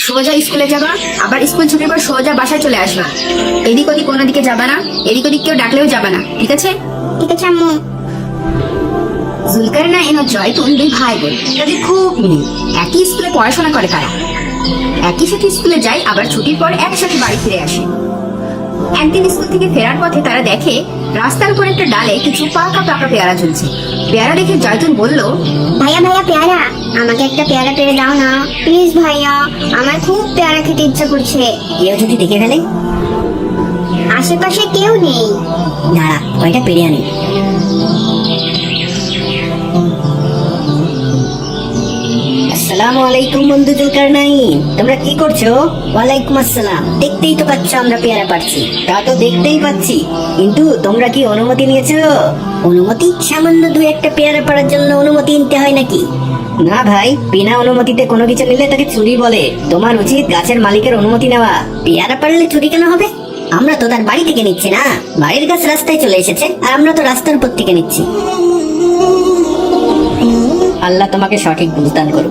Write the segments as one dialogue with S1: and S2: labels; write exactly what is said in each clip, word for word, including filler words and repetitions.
S1: সোজা স্কুলে যাবা, আবার স্কুল ছুটির পর সোজা বাসায় চলে আসবা। এদিক ওদিক কোনো দিকে যাবা না, এদিক ওদিক কেউ ডাকলেও যাবা না, ঠিক আছে?
S2: ঠিক আছে আম্মু।
S1: জুলকারনাইন ও জয়তুন দুই ভাই বোন, তাদের খুব মিল। একই স্কুলে পড়াশোনা করে তারা, একই সাথে স্কুলে যায়, আবার ছুটির পর একসাথে বাড়ি ফিরে আসে। একদিন স্কুল থেকে ফেরার পথে তারা দেখে রাস্তার উপর একটা ডালে কিছু পাকা পাকা পেয়ারা ঝুলছে। পেয়ারা দেখে জয়তুন বলল,
S2: ভাইয়া ভাইয়া পেয়ারা, আমাকে একটা পেয়ারা পেরে দাও না প্লিজ ভাইয়া, আমার খুব পেয়ারা খেতে ইচ্ছা করছে।
S3: কেউ যদি দেখে ফেলে?
S2: আশেপাশে কেউ নেই।
S3: দাঁড়া, কয়টা পেরে আনি। আসসালামু আলাইকুম বন্ধু জুলকারনাইন, তোমরা কি করছো? ওয়ালাইকুম আসসালাম। দেখতেই তো পাচ্ছ আমরা পেয়ারা পাচ্ছি। তা তো দেখতেই পাচ্ছি, কিন্তু তোমরা কি অনুমতি নিয়েছো? অনুমতি? সামান্য দু একটা পেয়ারা পাড়ার জন্য অনুমতি নিতে হয় নাকি? না ভাই, বিনা অনুমতিতে কোনো কিছু নিলে তাকে চুরি বলে। তোমার উচিত গাছের মালিকের অনুমতি নেওয়া। পেয়ারা পারলে চুরি কেন হবে? আমরা তো তার বাড়ি থেকে নিচ্ছি না, বাড়ির গাছ রাস্তায় চলে এসেছে, আর আমরা তো রাস্তার উপর থেকে নিচ্ছি। আল্লাহ তোমাকে সঠিক বুঝ দান করুক।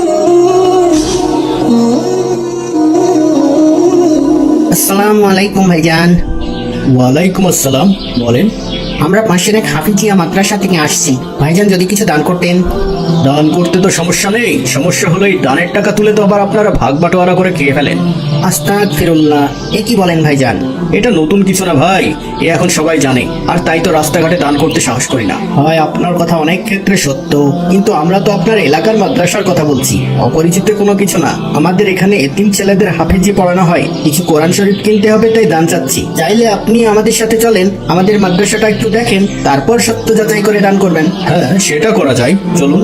S4: আসসালামু আলাইকুম ভাইজান।
S5: ওয়ালাইকুম আসসালাম, বলেন।
S4: আমরা পাশের এক হাফিজিয়া মাদ্রাসা থেকে আসছি, ভাইজান যদি কিছু দান করতেন।
S5: দান করতে তো সমস্যা নেই, সমস্যা হলো এই দানের টাকা তুলে তো আবার আপনারা ভাগ বাটোয়ারা করে খেয়ে ফেলেন।
S4: আস্তাগফিরুল্লাহ, এ কি বলেন ভাইজান?
S5: এটা নতুন কিছু না ভাই, এ এখন সবাই জানে, আর তাই তো রাস্তাঘাটে দান করতে সাহস করি না।
S4: হয় আপনার কথা অনেক ক্ষেত্রে সত্য, কিন্তু আমরা তো আপনার এলাকার মাদ্রাসার কথা বলছি, অপরিচিত কোনো কিছু না। আমাদের এখানে এতিম ছেলেদের হাফেজি পড়ানো হয়, কিছু কোরআন শরীফ কিনতে হবে, তাই দান চাচ্ছি। চাইলে আপনি আমাদের সাথে চলেন, আমাদের মাদ্রাসাটা একটু দেখেন, তারপর সত্য যাচাই করে দান করবেন।
S5: হ্যাঁ, সেটা করা যায়, চলুন।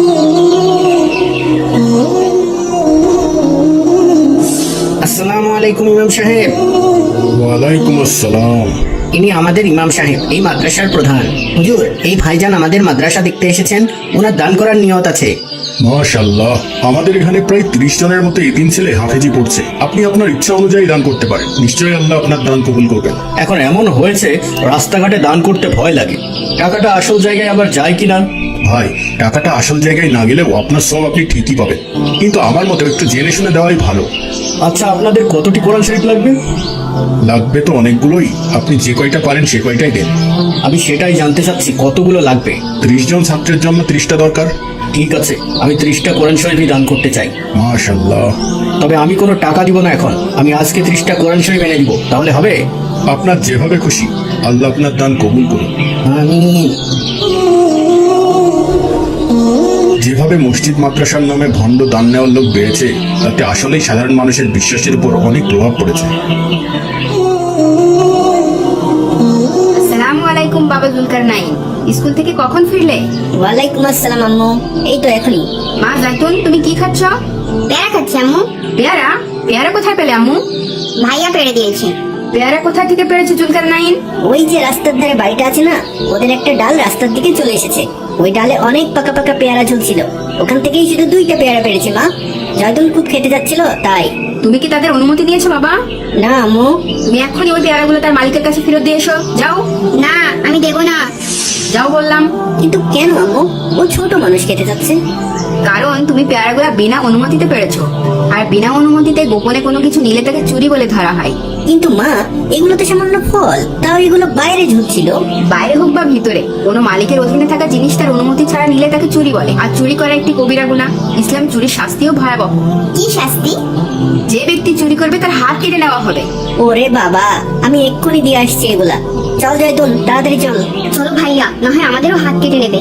S4: আসসালামু আলাইকুম ইমাম সাহেব।
S6: ওয়ালাইকুম আসসালাম।
S4: ইনি আমাদের ইমাম সাহেব, এই মাদ্রাসার প্রধান। হুজুর, এই ভাইজান আমাদের মাদ্রাসা দেখতে এসেছেন, ওনার দান করার নিয়ত আছে।
S6: মাশাআল্লাহ, আমাদের এখানে প্রায় ত্রিশ জনের মতো এতিম ছেলে হাফেজি পড়ছে। আপনি আপনার ইচ্ছা অনুযায়ী দান করতে পারেন, নিশ্চয়ই আল্লাহ আপনার দান কবুল করবেন।
S5: এখন এমন হয়েছে রাস্তাঘাটে দান করতে ভয় লাগে, টাকাটা আসল জায়গায় আবার যায় কিনা।
S6: ভাই, টাকাটা আসল জায়গায় না গেলেও আপনার সব আপনি ঠিকই পাবেন, কিন্তু আমার মতো একটু জেনে শুনে দেওয়াই ভালো।
S5: আচ্ছা, আপনাদের কতটি কোরআন শরীফ লাগবে?
S6: লাগবে তো অনেকগুলোই, আপনি যে কয়টা পারেন সে কয়টাই দেন।
S5: আমি সেটাই জানতে চাচ্ছি, কতগুলো লাগবে?
S6: ত্রিশ জন ছাত্রের জন্য ত্রিশটা দরকার।
S5: ঠিক আছে, আমি ত্রিশটা কোরআন শরীফই দান করতে চাই।
S6: মাশাআল্লাহ।
S5: তবে আমি কোনো টাকা দিব না এখন, আমি আজকে ত্রিশটা কোরআন শরীফ এনে দিব, তাহলে হবে?
S6: আপনার যেভাবে খুশি, আল্লাহ আপনার দান কবুল করুন।
S4: আমিন।
S6: যেভাবে মসজিদ মাদ্রাসার নামে ভণ্ড দান নেওয়ার লোক বেড়েছে, তাতে আসলেই সাধারণ মানুষের বিশ্বাসের উপর অনেক প্রভাব পড়েছে।
S1: আসসালামু আলাইকুম বাবা জুলকারনাইন, স্কুল থেকে কখন ফিরলে?
S3: ওয়ালাইকুম আসসালাম আম্মু, এই তো এখনই।
S1: মা জয়তুন, তুমি কি খাচ্ছ?
S2: পেয়ারা খাচ্ছি আম্মু।
S1: পেয়ারা? পেয়ারা কোথায় পেলে আম্মু?
S2: ভাইয়া পেরে দিয়েছে।
S1: পেয়ারা কোথা থেকে পেরেছে জুলকারনাইন?
S3: ওই যে রাস্তার ধারে বাড়িটা আছে না, ওদের একটা ডাল রাস্তার দিকে চলে এসেছে। ওই ডালে অনেক পাকা পাকা পেয়ারা ঝুলছিল, ওখান থেকেই শুধু দুইটা পেয়ারা পেরেছে মা। জয়তুন খুব খেতে যাচ্ছিল তাই।
S1: তুমি কি তাদের অনুমতি দিয়েছো বাবা?
S3: না আম্মু।
S1: তুমি এখনই ওই পেয়ারাগুলো তার মালিকের কাছে ফেরত দিয়ে এসো, যাও।
S2: না, আমি দেবো না।
S1: যাও বললাম।
S3: কিন্তু কেন আম্মু? ও ছোট মানুষ খেতে যাচ্ছে।
S1: কারণ তুমি পেয়ারাগুলো বিনা অনুমতিতে পেরেছো, আর বিনা অনুমতিতে গোপনে কোনো কিছু নিলে তাকে চুরি বলে ধরা হয়।
S3: কিন্তু মা, এগুলো তো সামান্য ফল, তাও এগুলো বাইরে ঝুলছিল।
S1: বাইরে হোক বা ভিতরে, কোনো মালিকের অধীনে থাকা জিনিস তার অনুমতি ছাড়া নিলে তাকে চুরি বলে, আর চুরি করা একটি কবিরা গুনাহ। ইসলাম চুরির শাস্তিও ভয়াবহ।
S2: কি শাস্তি?
S1: যে ব্যক্তি চুরি করবে তার হাত কেটে নেওয়া হবে।
S3: ওরে বাবা, আমি এক্ষুনি দিয়ে আসছি এগুলা। চল জয়তুন, তাড়াতাড়ি চল।
S2: চলো ভাইয়া, না হয় আমাদেরও হাত কেটে নেবে।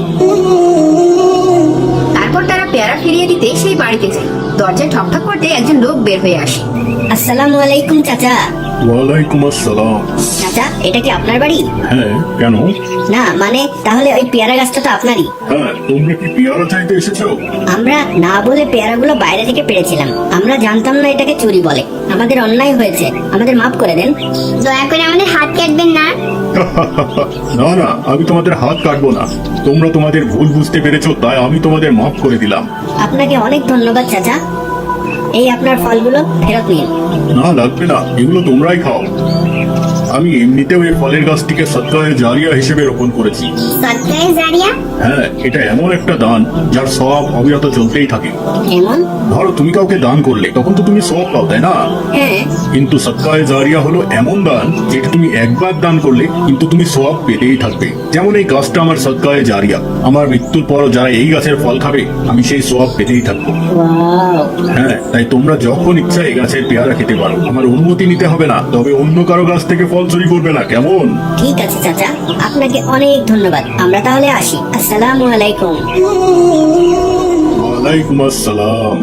S1: তারপর তারা পেয়ারা ফিরিয়ে দিতে সেই বাড়িতে যায়। দরজায় ঠকঠক করতে একজন লোক বের হয়ে আসে।
S3: আসসালামু আলাইকুম চাচা।
S6: ওয়ালাইকুম আসসালাম।
S3: চাচা, এটা কি আপনার বাড়ি?
S6: হ্যাঁ, কেন?
S3: না মানে, তাহলে ওই পেয়ারা গাছটা তো আপনারই।
S6: হ্যাঁ, তোমরা কি পেয়ারা চাইতে এসেছো?
S3: আমরা না বলে পেয়ারাগুলো বাইরে থেকে পেড়েছিলাম, আমরা জানতাম না এটাকে চুরি বলে। আমাদের অন্যায় হয়েছে, আমাদের মাফ করে দেন।
S2: দয়া করে আমাদের হাত কাটবেন না।
S6: না না, আমি তোমাদের হাত কাটবো না। তোমরা তোমাদের ভুল বুঝতে পেরেছো, তাই আমি তোমাদের মাফ করে দিলাম।
S3: আপনাকে অনেক ধন্যবাদ চাচা। এই আপনার ফলগুলো ফেরত নিন।
S6: না লাগবে না, এগুলো তোমরাই খাও। আমি এমনিতেও এই ফলের গাছটিকে সদকায়ে জারিয়া হিসেবে রোপণ করেছি।
S2: সদকায়ে জারিয়া?
S6: হ্যাঁ, এটা এমন একটা দান যার সওয়াব অবিরত চলতেই থাকে।
S3: এমন?
S6: ধরো তুমি কাউকে দান করলে তখন তো তুমি সওয়াব পাও, তাই না?
S3: হ্যাঁ।
S6: কিন্তু সদকায়ে জারিয়া হলো এমন দান যেটা তুমি একবার দান করলে কিন্তু তুমি সওয়াব পেতেই থাকবে। যেমন এই গাছটা আমার সদকায়ে জারিয়া, আমার মৃত্যুর পরও যারা এই গাছের ফল খাবে আমি সেই সওয়াব পেতেই থাকবো।
S3: ওয়াও।
S6: হ্যাঁ, তাই তোমরা যখন ইচ্ছা এই গাছের পেয়ারা খেতে পারো, আমার অনুমতি নিতে হবে না, তবে অন্য কারো গাছ থেকে ফল চুরি করবে না, কেমন?
S3: ঠিক আছে চাচা, আপনাকে অনেক ধন্যবাদ। আমরা তাহলে আসি। আসসালামু আলাইকুম।
S6: ওয়ালাইকুম আসসালাম।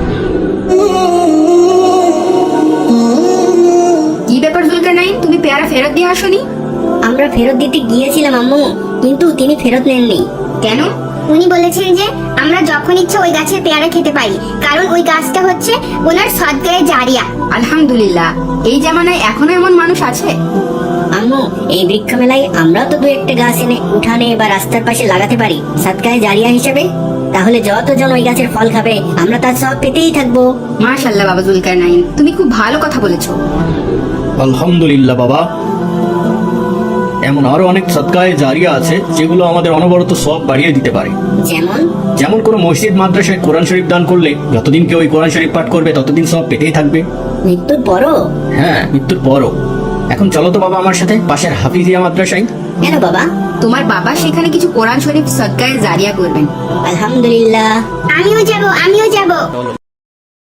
S1: কি ব্যাপার জুলকারনাইন, তুমি পেয়ারা ফেরত দিয়ে আসোনি?
S3: আমরা ফেরত দিতে গিয়েছিলাম আম্মু, কিন্তু তিনি ফেরত নেননি।
S1: কেন?
S2: উনি বলেছেন যে আমরা যখন ইচ্ছা ওই গাছের পেয়ারা খেতে পারি, কারণ ওই গাছটা হচ্ছে ওনার সদকায়ে জারিয়া।
S1: আলহামদুলিল্লাহ, এই জামানায় এখনো এমন মানুষ আছে।
S3: আম্মু, এই বৃক্ষ মেলায় আমরা তো দু একটা গাছ এনে উঠানে বা রাস্তার পাশে লাগাতে পারি সদকায়ে জারিয়া হিসেবে। তাহলে যতজন ওই গাছের ফল খাবে আমরা তার সব পেতেই থাকবো।
S1: মাশাআল্লাহ বাবা জুলকারনাইন, তুমি খুব ভালো কথা বলেছো।
S5: আলহামদুলিল্লাহ বাবা। এমন আরো অনেক সদকায়ে জারিয়া আছে যেগুলো আমাদের অনবরত সওয়াব বাড়িয়ে দিতে পারে।
S3: যেমন?
S5: যেমন কোনো মসজিদ মাদ্রাসায় কোরআন শরীফ দান করলে যতদিন কেউ ওই কোরআন শরীফ পাঠ করবে ততদিন সব পেতেই থাকবে।
S3: মৃত্যুর পরও?
S5: হ্যাঁ, মৃত্যুর পরও। এখন চলো তো বাবা আমার সাথে পাশের হাফিজিয়া মাদ্রাসায়।
S3: কেন বাবা?
S1: তোমার বাবা সেখানে কিছু কোরআন শরীফ সদকায়ে জারিয়া করবেন।
S3: আলহামদুলিল্লাহ।
S2: আমিও যাব, আমিও যাব।